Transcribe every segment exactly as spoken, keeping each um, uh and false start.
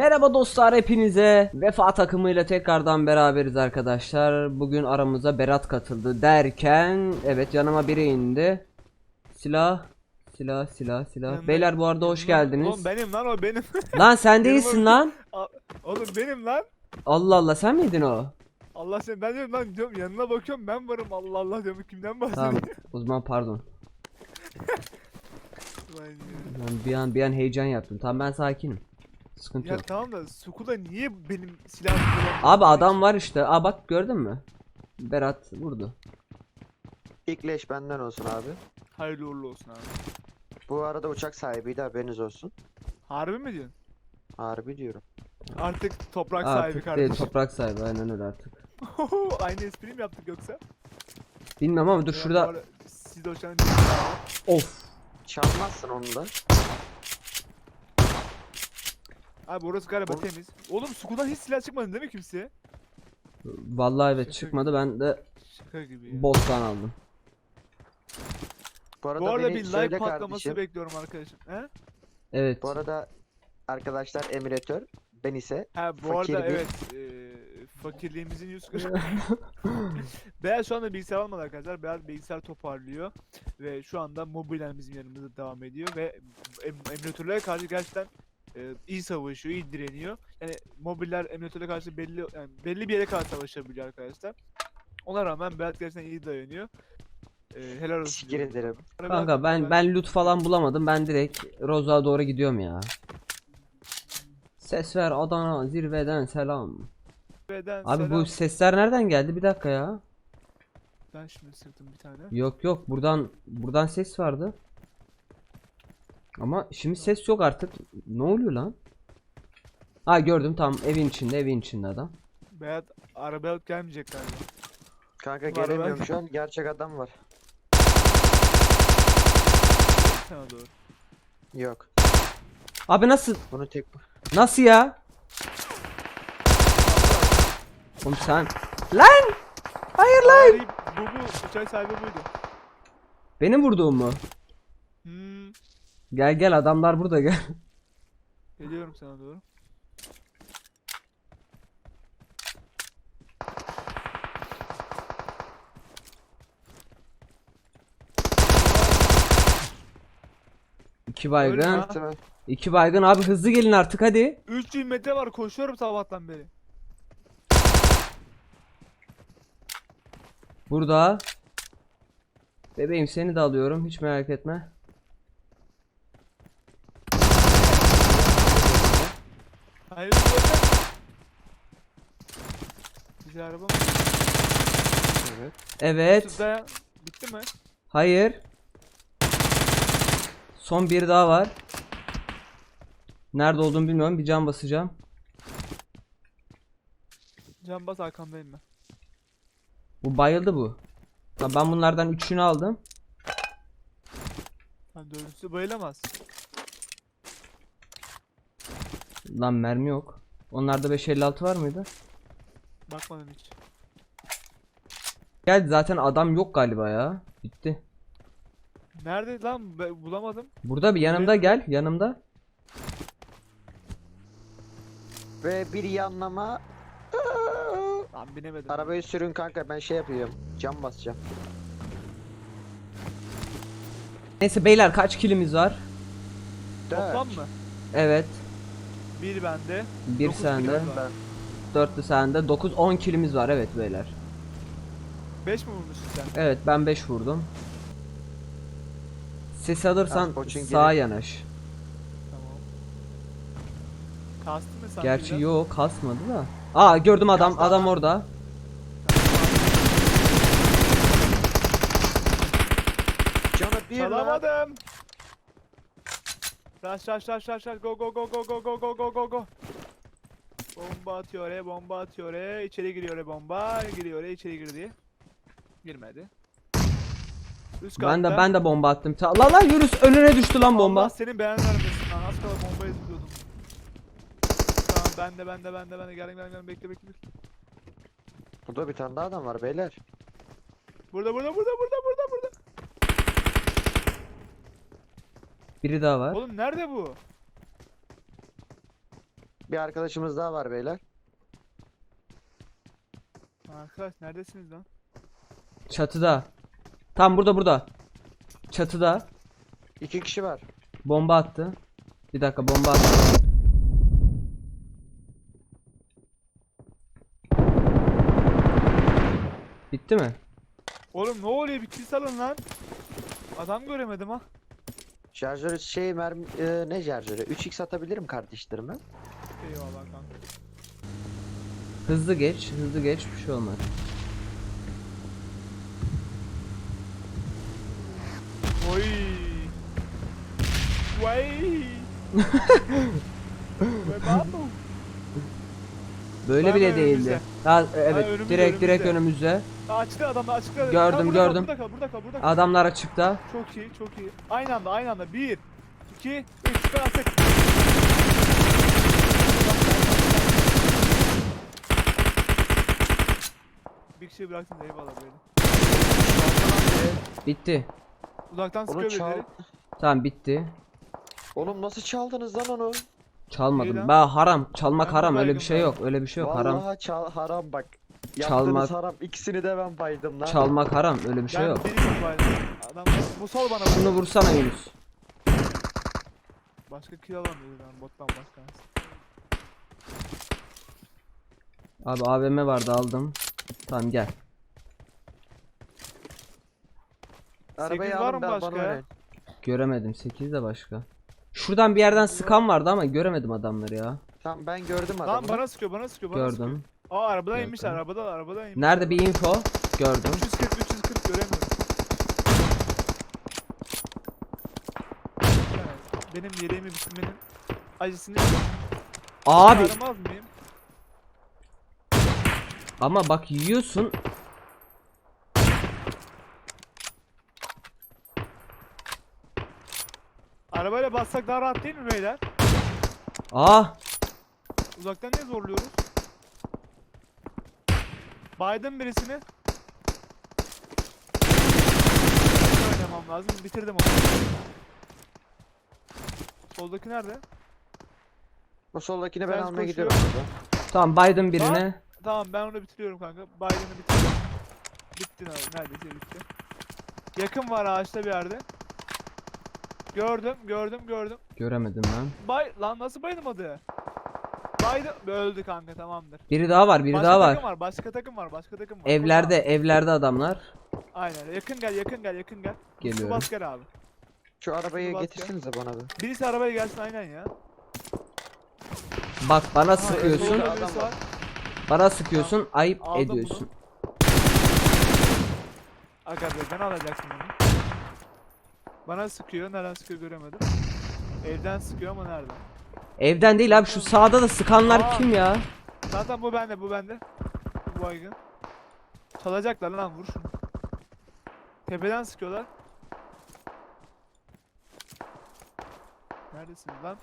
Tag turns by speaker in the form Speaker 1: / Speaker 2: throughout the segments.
Speaker 1: Merhaba dostlar, hepinize Vefa takımıyla tekrardan beraberiz arkadaşlar. Bugün aramıza Berat katıldı derken evet, yanıma biri indi. Silah silah silah silah.
Speaker 2: Yanına-
Speaker 1: Beyler bu arada hoş
Speaker 2: yanına-
Speaker 1: geldiniz.
Speaker 2: Oğlum benim lan o benim.
Speaker 1: Lan sen
Speaker 2: Benim
Speaker 1: değilsin
Speaker 2: o-
Speaker 1: lan.
Speaker 2: A- Oğlum benim lan.
Speaker 1: Allah Allah, sen miydin o?
Speaker 2: Allah seni, ben diyorum lan, diyorum yanına bakıyorum, ben varım, Allah Allah diyorum, kimden bahsediyor?
Speaker 1: Tamam, o zaman pardon.
Speaker 2: Lan ya.
Speaker 1: Ben bir an bir an heyecan yaptım. Tamam, ben sakinim. Sıkıntı
Speaker 2: Ya
Speaker 1: yok.
Speaker 2: tamam da Suku'da niye benim silahımı kullanmıyor?
Speaker 1: Abi adam var işte. Aa bak, gördün mü? Berat vurdu.
Speaker 3: İlk leş benden olsun abi.
Speaker 2: Hayırlı uğurlu olsun abi.
Speaker 3: Bu arada uçak sahibiydi, haberiniz olsun.
Speaker 2: Harbi mi diyorsun?
Speaker 3: Harbi diyorum.
Speaker 2: Artık toprak sahibi
Speaker 1: Artık değil,
Speaker 2: kardeşim.
Speaker 1: toprak sahibi, aynen öyle artık.
Speaker 2: Aynı espriyi mi yaptık yoksa?
Speaker 1: Bilmem ama dur
Speaker 2: Ya bu
Speaker 1: şurada.
Speaker 2: arada Siz de hoşlanın.
Speaker 1: Of.
Speaker 3: Çalmazsın onu da.
Speaker 2: Abi orası galiba
Speaker 3: Oğlum-
Speaker 2: temiz. Oğlum Suku'dan hiç silah çıkmadı değil mi kimseye?
Speaker 1: Vallahi evet,
Speaker 2: Şaka
Speaker 1: çıkmadı, ben de
Speaker 2: Şaka gibi ya.
Speaker 1: bottan aldım.
Speaker 3: Bu arada,
Speaker 2: Bu arada
Speaker 3: beni
Speaker 2: bir like
Speaker 3: söyle
Speaker 2: patlaması
Speaker 3: kardeşim.
Speaker 2: bekliyorum arkadaşım. He?
Speaker 1: Evet.
Speaker 3: Bu arada arkadaşlar emülatör, ben ise
Speaker 2: Ha bu
Speaker 3: fakir
Speaker 2: arada
Speaker 3: bir-
Speaker 2: evet, eee, fakirliğimizin yüz kırk. Beyaz şu anda bilgisayar almadı arkadaşlar. Beyaz bilgisayar toparlıyor ve şu anda mobilen bizim yanımızda devam ediyor ve em emülatörlere karşı gerçekten eee, iyi savaşıyor, iyi direniyor. Yani mobiller emülatörlere karşı belli yani belli bir yere kadar savaşabiliyor arkadaşlar. Ona rağmen Beyaz gerçekten iyi dayanıyor. Eee helal olsun.
Speaker 3: teşekkür
Speaker 2: diyorum.
Speaker 3: ederim.
Speaker 1: Kanka ben ben loot falan bulamadım. Ben direkt Roza'ya doğru gidiyorum ya. Ses ver Adana zirveden selam.
Speaker 2: Beden
Speaker 1: Abi
Speaker 2: selam.
Speaker 1: bu sesler nereden geldi? Bir dakika ya.
Speaker 2: Ben şimdi sıktım bir tane.
Speaker 1: Yok yok, buradan buradan ses vardı. Ama şimdi ses yok artık. Ne oluyor lan? Ha gördüm, tam evin içinde, evin içinde adam.
Speaker 2: Beyaz arabaya alıp gelmeyecek galiba.
Speaker 3: Kanka
Speaker 2: Var,
Speaker 3: gelemiyorum
Speaker 2: var.
Speaker 3: şu an, gerçek adam var.
Speaker 2: Sana doğru.
Speaker 3: Yok.
Speaker 1: Abi nasıl?
Speaker 3: Bunu tek...
Speaker 1: Nasıl ya? Oğlum sen. Lan! Hayır lan!
Speaker 2: Sahibi- Bu bu uçak sahibi buydu.
Speaker 1: Benim vurduğum mu?
Speaker 2: Hmm,
Speaker 1: Gel gel, adamlar burada, gel.
Speaker 2: geliyorum sana doğru.
Speaker 1: İki baygın.
Speaker 2: Ölme.
Speaker 3: Tamam.
Speaker 1: İki baygın abi, hızlı gelin artık hadi.
Speaker 2: üç yüz metre var, koşuyorum sabahtan beri.
Speaker 1: Burada. Bebeğim, seni de alıyorum, hiç merak etme.
Speaker 2: Hayır bir dakika. Güzel araba mı?
Speaker 3: Evet.
Speaker 1: Evet.
Speaker 2: Şurada bitti mi?
Speaker 1: Hayır. Son bir daha var. Nerede olduğunu bilmiyorum. Bir can basacağım.
Speaker 2: Can bas, arkamdayım ben.
Speaker 1: Bu bayıldı bu. Ha, ben bunlardan üçünü aldım.
Speaker 2: Lan dördüncüsü bayılamaz.
Speaker 1: Lan mermi yok. Onlarda beş elli altı var mıydı?
Speaker 2: Bakmadım hiç.
Speaker 1: Geldi zaten, adam yok galiba ya. Bitti.
Speaker 2: Nerede lan? Ben bulamadım.
Speaker 1: Burada bir yanımda, gel yanımda.
Speaker 3: Ve bir yanlama...
Speaker 2: Lan binemedim.
Speaker 3: Arabayı sürün kanka, ben şey yapıyorum. Cam basacağım.
Speaker 1: Neyse beyler, kaç kilimiz var?
Speaker 2: Toplam
Speaker 3: Dört.
Speaker 2: mı?
Speaker 1: Evet.
Speaker 2: Bir bende.
Speaker 1: Bir
Speaker 2: dokuz
Speaker 1: sende.
Speaker 2: kilimiz var.
Speaker 3: Ben.
Speaker 1: Dörtlü sende. Dokuz on kilimiz var, evet beyler.
Speaker 2: Beş mi vurmuşsun sen?
Speaker 1: Evet, ben beş vurdum. Ses alırsan
Speaker 3: Ah, Koç'un
Speaker 1: sağa
Speaker 3: geri-
Speaker 1: yanaş.
Speaker 2: Tamam. Kastın mı sen?
Speaker 1: Gerçi yok, kasmadı da. Aa gördüm, adam
Speaker 3: Kastı
Speaker 1: adam
Speaker 3: adam.
Speaker 1: orada.
Speaker 3: Canı bir lan.
Speaker 2: Çalamadım. Rush rush rush rush rush, go go go go go go go go go go. Bomba atıyor oraya, bomba atıyor oraya, içeri giriyor oraya, bomba giriyor oraya, içeri girdi. Girmedi. Üst
Speaker 1: Ben de
Speaker 2: katta.
Speaker 1: ben de bomba attım. Ta lan lan, Yunus önüne düştü lan
Speaker 2: Allah
Speaker 1: bomba.
Speaker 2: senin beğen vermesin lan, az kala bombayı zıplıyordum. Tamam, ben de ben de ben de ben de geldim geldim geldim, bekle bekle bekle.
Speaker 3: Burada bir tane daha adam var beyler.
Speaker 2: Burada burada burada burada burada burada.
Speaker 1: Biri daha var.
Speaker 2: Oğlum nerede bu?
Speaker 3: Bir arkadaşımız daha var beyler.
Speaker 2: Arkadaş neredesiniz lan?
Speaker 1: Çatıda. Tam burada burada. Çatıda.
Speaker 3: İki kişi var.
Speaker 1: Bomba attı. Bir dakika bomba attı. Bitti mi?
Speaker 2: Oğlum ne oluyor, bir kill salın lan. Adam göremedim ha.
Speaker 3: Şarjörü şey mermi e, ne şarjörü? üç x atabilirim kardeşlerime.
Speaker 2: Eyvallah kanka.
Speaker 1: Hızlı geç, hızlı geç, bir şey olmaz.
Speaker 2: Oy. Vay. Ve babu.
Speaker 1: Böyle
Speaker 2: Var
Speaker 1: bile
Speaker 2: mı
Speaker 1: değildi.
Speaker 2: önümüzde?
Speaker 1: Ha, evet,
Speaker 2: önümüzde,
Speaker 1: direkt direkt
Speaker 2: önümüzde.
Speaker 1: önümüzde.
Speaker 2: Açtı adam, açıkta.
Speaker 1: Gördüm,
Speaker 2: Kal, burada
Speaker 1: gördüm.
Speaker 2: Kal, burada kal, burada kal, burada kal.
Speaker 1: Adamlar açıkta.
Speaker 2: Çok iyi, çok iyi. Aynı anda, aynı anda. Bir, iki, üç, süper attık. Bir kişiyi bıraktın da eyvallah böyle.
Speaker 1: Bitti.
Speaker 2: Uzaktan
Speaker 3: Onu
Speaker 2: sıkıyor
Speaker 3: çal.
Speaker 2: birileri.
Speaker 1: Tamam bitti.
Speaker 3: Oğlum nasıl çaldınız lan onu?
Speaker 1: Çalmadım.
Speaker 2: lan?
Speaker 1: Ben haram. Çalmak
Speaker 2: Ben
Speaker 1: haram.
Speaker 2: de
Speaker 1: Öyle bir
Speaker 2: baygın
Speaker 1: şey
Speaker 2: ben.
Speaker 1: yok. Öyle bir şey yok. Haram.
Speaker 3: Vallahi çal haram bak. Yaptığınız
Speaker 1: Çalmak-
Speaker 3: haram. İkisini de ben baydım lan.
Speaker 1: Çalmak haram. Öyle bir şey
Speaker 2: Ben
Speaker 1: yok.
Speaker 2: biriyim bu arada. Adam bu sol bana
Speaker 1: Şunu
Speaker 2: vurdu.
Speaker 1: vursana Yunus.
Speaker 2: Başka kill alamıyordu lan bottan başka.
Speaker 1: Abi A V M vardı aldım. Tamam gel.
Speaker 3: Arabayı
Speaker 2: sekiz var
Speaker 3: alın
Speaker 2: mı
Speaker 3: ben
Speaker 2: başka
Speaker 3: bana
Speaker 2: ya?
Speaker 3: oynayın.
Speaker 1: Göremedim. sekiz de başka. Şuradan bir yerden sıkan vardı ama göremedim adamları ya.
Speaker 3: Tamam ben gördüm adamı.
Speaker 2: Lan bana sıkıyor, bana sıkıyor, bana sıkıyor.
Speaker 1: Gördüm.
Speaker 2: Aa arabadan
Speaker 1: Gördüm.
Speaker 2: inmişler, arabadan, arabadan inmişler.
Speaker 1: Nerede bir info? Gördüm.
Speaker 2: üç yüz kırk, üç yüz kırk göremiyorum. Evet, benim yeleğimi bitirmenin acısını
Speaker 1: Abi
Speaker 2: çıkaramaz mıyım?
Speaker 1: ama bak yiyorsun.
Speaker 2: Arabayla bassak daha rahat değil mi beyler?
Speaker 1: Ah
Speaker 2: Uzaktan niye zorluyoruz? Baydım birisini. Oynamam lazım. Bitirdim onu. Soldaki nerede?
Speaker 3: O soldakini ben
Speaker 2: Sen
Speaker 3: almaya
Speaker 2: koşuyor.
Speaker 3: gidiyorum abi.
Speaker 1: tamam baydım birine.
Speaker 2: Tamam ben onu bitiriyorum kanka. Biden'ı bitirdim. Bitti abi. Neredeyse bitti. Yakın var ağaçta bir yerde. Gördüm, gördüm, gördüm.
Speaker 1: Göremedim ben.
Speaker 2: Bay lan nasıl bayılmadı? Baydı öldü kanka, tamamdır.
Speaker 1: Biri daha var, biri
Speaker 2: başka
Speaker 1: daha var.
Speaker 2: takım var, başka takım var, başka takım var.
Speaker 1: Evlerde,
Speaker 2: Koş abi.
Speaker 1: evlerde adamlar.
Speaker 2: Aynen. Yakın gel, yakın gel, yakın gel.
Speaker 1: Geliyorum.
Speaker 2: Bas gel abi.
Speaker 3: Şu arabayı
Speaker 2: Şunu bas
Speaker 3: getirsenize bana bir.
Speaker 2: Birisi arabaya gelsin aynen ya.
Speaker 1: Bak bana
Speaker 2: Aha,
Speaker 1: sıkıyorsun.
Speaker 2: solda
Speaker 3: Adam
Speaker 2: birisi
Speaker 3: var.
Speaker 2: var.
Speaker 1: Bana sıkıyorsun. Ayıp
Speaker 2: Aldım
Speaker 1: ediyorsun.
Speaker 2: Aga be ben alacaksın onu. Bana sıkıyor, nereden sıkıyor göremedim. Evden sıkıyor ama nereden?
Speaker 1: Evden değil abi, şu sağda da sıkanlar
Speaker 2: Aa.
Speaker 1: kim ya?
Speaker 2: Zaten bu bende, bu bende. Bu baygın. Çalacaklar lan, vur şunu. Tepeden sıkıyorlar. Neredesiniz lan?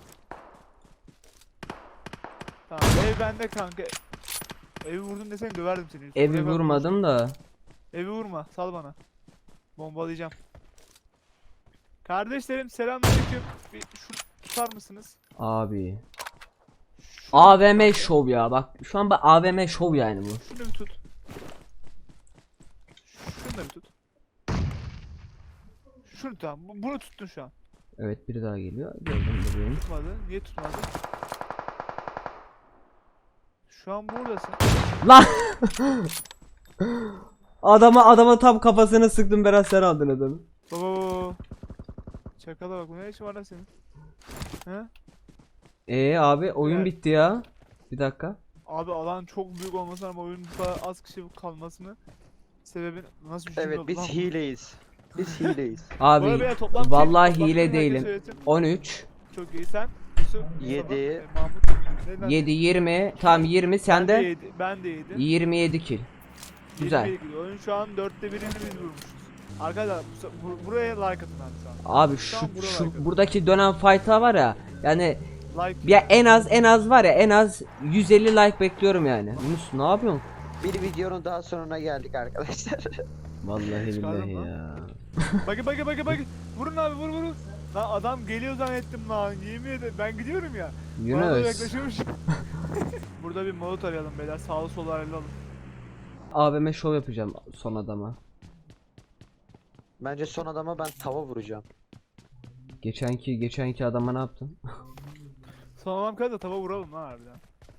Speaker 2: Tamam ev bende kanka. Evi vurdun desene döverdim seni.
Speaker 1: Evi
Speaker 2: Buraya bak,
Speaker 1: vurmadım da.
Speaker 2: Evi vurma, sal bana. Bombalayacağım. Kardeşlerim selamünaleyküm. Bir şu tutar mısınız?
Speaker 1: Abi.
Speaker 2: Şu-
Speaker 1: A V M şov ya, bak şu an bak A V M şov yani bu.
Speaker 2: Şunu bir tut. Şunu da bir tut. Şunu tamam. bu- Bunu tuttun şu an.
Speaker 1: Evet, biri daha geliyor. Gördüm bebeğim.
Speaker 2: Tutmadı. Niye tutmadı? Şu an buradasın.
Speaker 1: Lan! Adama adama tam kafasına sıktım, Berat sen aldın adamı.
Speaker 2: Baba. Çakala bak, bu ne işin var lan senin? He?
Speaker 1: Ee abi oyun
Speaker 2: Evet.
Speaker 1: bitti ya. Bir dakika.
Speaker 2: Abi alan çok büyük olmasına ama oyunun bu kadar az kişi kalmasını sebebin nasıl bir cümle
Speaker 3: Evet
Speaker 2: oldu
Speaker 3: biz
Speaker 2: lan bu?
Speaker 3: hileyiz. Biz hileyiz.
Speaker 2: Bu arada
Speaker 1: Abi
Speaker 2: beyler toplam
Speaker 1: vallahi
Speaker 2: kim? Toplam
Speaker 1: hile
Speaker 2: kim? Herkes
Speaker 1: değilim.
Speaker 2: söylesin.
Speaker 1: on üç,
Speaker 2: Çok iyi sen. Yusuf, Mustafa,
Speaker 3: Yedi.
Speaker 2: e, Mahmut. Ne lan?
Speaker 1: yedi, yirmi. Tam yirmi,
Speaker 2: Ben de
Speaker 1: sende
Speaker 2: yedi. Ben de yedi.
Speaker 1: yirmi yedi kill. Güzel.
Speaker 2: yirmi bir gidiyor. Oyun şu an dörtte birini biz vurmuşuz. Arkadaşlar bu- bu- buraya like atın abi şu an.
Speaker 1: Abi şu
Speaker 2: Tam buralar
Speaker 1: şu
Speaker 2: kadar.
Speaker 1: buradaki dönen fight'a var ya. Yani
Speaker 2: Like
Speaker 1: ya en az en az var ya, en az yüz elli like bekliyorum yani. Yunus ne yapıyorsun?
Speaker 3: Bir videonun daha sonuna geldik arkadaşlar.
Speaker 1: Vallahi
Speaker 2: Çıkardım
Speaker 1: billahi
Speaker 2: lan.
Speaker 1: ya.
Speaker 2: Bagi bagi bagi bagi. Vurun abi, vur vurun. Lan adam geliyor zannettim lan. Yemin ederim ben gidiyorum ya. Bana doğru
Speaker 1: Yunus.
Speaker 2: yaklaşıyormuş. Burada bir molot arayalım beyler. Sağlı solu arayalım.
Speaker 1: A V M şov yapacağım son adama.
Speaker 3: Bence son adama ben tava vuracağım.
Speaker 1: Geçenki geçenki adama ne yaptın?
Speaker 2: Son adam kadar da tava vuralım lan harbiden.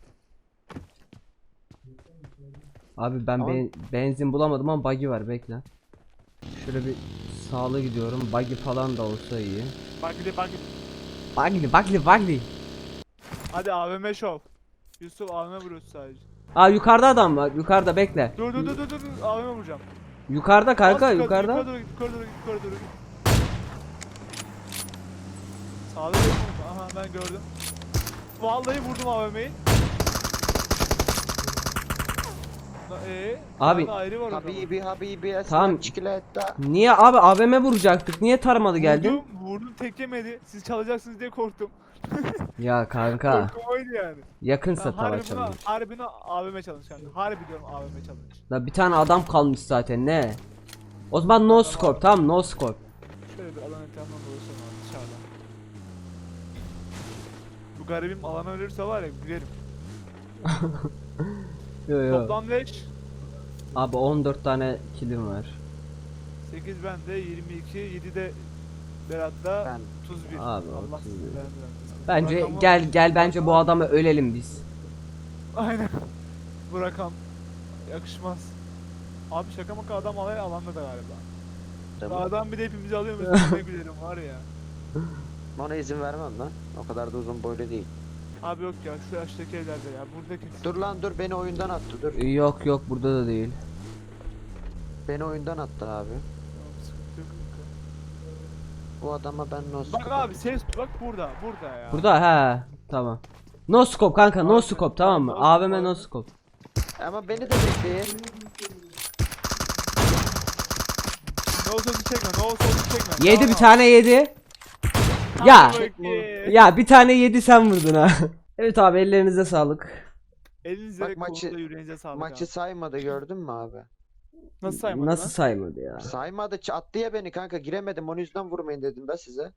Speaker 1: Abi ben
Speaker 3: Ama-
Speaker 1: ben- benzin bulamadım ama buggy var, bekle. Şöyle bir sağlı gidiyorum. Buggy falan da olsa iyi.
Speaker 2: Bak gidi bak gidi.
Speaker 1: Buggy buggy buggy.
Speaker 2: Hadi A V M şov. Yusuf A V M vuruyorsun sadece.
Speaker 1: Aa yukarıda adam var. Yukarıda, bekle.
Speaker 2: Dur dur dur dur dur. dur. A V M vuracağım.
Speaker 1: Yukarıda kanka,
Speaker 2: Az yukarı,
Speaker 1: yukarıda.
Speaker 2: Yukarı doğru git, yukarı doğru git, yukarı doğru git. Sağda bir vurma. Aha ben gördüm. Vallahi vurdum A V M'yi. Eee?
Speaker 1: Abi-
Speaker 2: Ayrı var orada.
Speaker 3: Habibi habibi esmer
Speaker 1: Tamam.
Speaker 3: çikolata.
Speaker 1: Niye abi A V M vuracaktık? Niye taramadı geldin?
Speaker 2: Vurdum, vurdum tek yemedi. Siz çalacaksınız diye korktum.
Speaker 1: Ya kanka,
Speaker 2: Korkum oydu yani.
Speaker 1: yakınsa
Speaker 2: Ben harbi
Speaker 1: tava
Speaker 2: buna,
Speaker 1: çalın.
Speaker 2: harbi buna A V M challenge yani. Harbi diyorum A V M challenge.
Speaker 1: La bir tane adam kalmış zaten, ne? O zaman no scope, tamam, no scope.
Speaker 2: Şöyle bir alan etrafından dolaşalım abi dışarıdan. Bu garibim alana ölürse var ya gülerim.
Speaker 1: Yo yo.
Speaker 2: Toplam beş.
Speaker 1: Abi on dört tane kilim var.
Speaker 2: sekiz bende, yirmi iki, yedi de Berat'ta,
Speaker 3: Ben
Speaker 2: otuz bir.
Speaker 1: Abi,
Speaker 2: Allah
Speaker 1: otuz bir.
Speaker 2: sizi beğendirmesin.
Speaker 1: Bence
Speaker 2: Rakamı-
Speaker 1: gel gel bence bu adamı ölelim biz.
Speaker 2: Aynen. Bu rakam yakışmaz. Abi şaka maka adam alay alanda da galiba.
Speaker 3: tamam.
Speaker 2: Adam bir de hepimizi alıyormuş. Ne gülerim var ya.
Speaker 3: Ona izin vermem lan. O kadar da uzun boylu değil.
Speaker 2: Abi yok ya şu yaştaki evlerde ya. Buradaki
Speaker 3: Dur lan dur, beni oyundan attı dur.
Speaker 1: Yok yok, burada da değil.
Speaker 3: Beni oyundan attı abi.
Speaker 2: Tamam, sıkıntı yok kanka.
Speaker 3: Bu adama ben nasıl...
Speaker 2: Bak abi ses bak burada burada ya.
Speaker 1: Burada he, tamam. No scope kanka, no
Speaker 2: Abi,
Speaker 1: scope, tamam mı?
Speaker 2: no
Speaker 1: A V M
Speaker 2: scope.
Speaker 1: no scope.
Speaker 3: Ama beni de bekleyin.
Speaker 2: Ne olsa çekme ne olsa çekme.
Speaker 1: Yedi,
Speaker 2: Tamam
Speaker 1: bir
Speaker 2: abi.
Speaker 1: tane yedi.
Speaker 2: Hadi
Speaker 1: Ya
Speaker 2: bakayım.
Speaker 1: ya bir tane yedi, sen vurdun ha. Evet abi, ellerinize sağlık.
Speaker 2: Elinize ve
Speaker 3: Bak maçı-
Speaker 2: kolunuza yüreğinize sağlık
Speaker 3: Maçı
Speaker 2: abi.
Speaker 3: saymadı, gördün mü abi?
Speaker 2: Nasıl saymadın
Speaker 1: Nasıl
Speaker 2: lan?
Speaker 1: saymadı ya?
Speaker 3: Saymadı, ç- attı ya beni kanka, giremedim, onun yüzden vurmayın dedim ben size.